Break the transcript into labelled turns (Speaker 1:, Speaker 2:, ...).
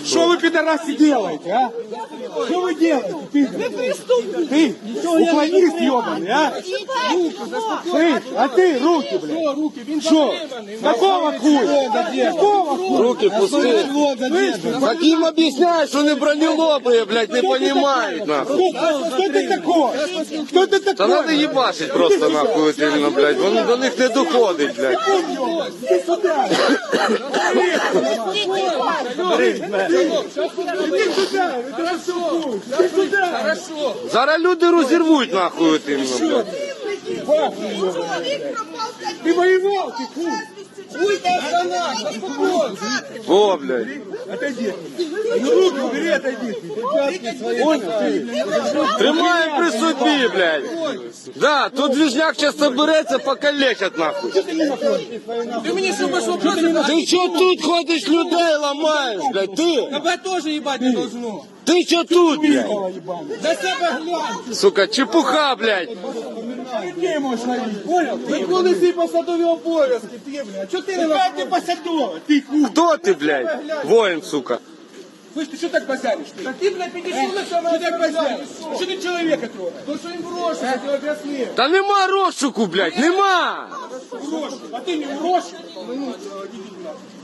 Speaker 1: Что вы, пидорасы, делаете, а? Что вы делаете, пидорасы? Ты, уклонист ебаный, а? Ты, а ты, руки, блядь. Что? Какого хуя? Какого хуя?
Speaker 2: Руки пустые. Так им объясняют, что не бронелобые, блядь, не понимают, нахуй.
Speaker 1: Кто ты такой? Кто ты такой?
Speaker 2: Та надо ебашить просто, нахуй, вот именно, блядь. Вони до них не доходить, блядь.
Speaker 1: Иди сюда. Иди сюда. Иди сюда.
Speaker 2: Зараз люди розірвуть, нахуй, от именно, блядь.
Speaker 1: Ты воевал, ты хуй.
Speaker 2: Во, блядь.
Speaker 1: Отойди. Руки убери, отойди. Понял?
Speaker 2: Тримаємо при собі, блядь. Да, тут движняк зараз собереться, покалечать, нахуй.
Speaker 3: Ты мне что пошел просто...
Speaker 2: Ти що тут ходиш, людей ламаєш, блядь, ти?
Speaker 3: Тебя тоже ебать не должно.
Speaker 2: Ти що тут, блядь?
Speaker 3: За себя глянь.
Speaker 2: Сука, чепуха, блядь.
Speaker 1: Людей можешь ловить, понял?
Speaker 3: Виконуй посадові обов'язки, ти, блядь. Чого ти не
Speaker 1: Какая ты посадова, ты хуй.
Speaker 2: Хто ти, блядь? Воїн, сука.
Speaker 1: Слышь, ты что так базаришь?
Speaker 3: Так ти, блядь, підійшов на саме.
Speaker 1: Что так базаришь? Что ты человека трогаешь?
Speaker 3: То, що їм гроші, я тебе об'яснив.
Speaker 2: Та нема розшуку, блядь, нема.
Speaker 1: А ты не урожь?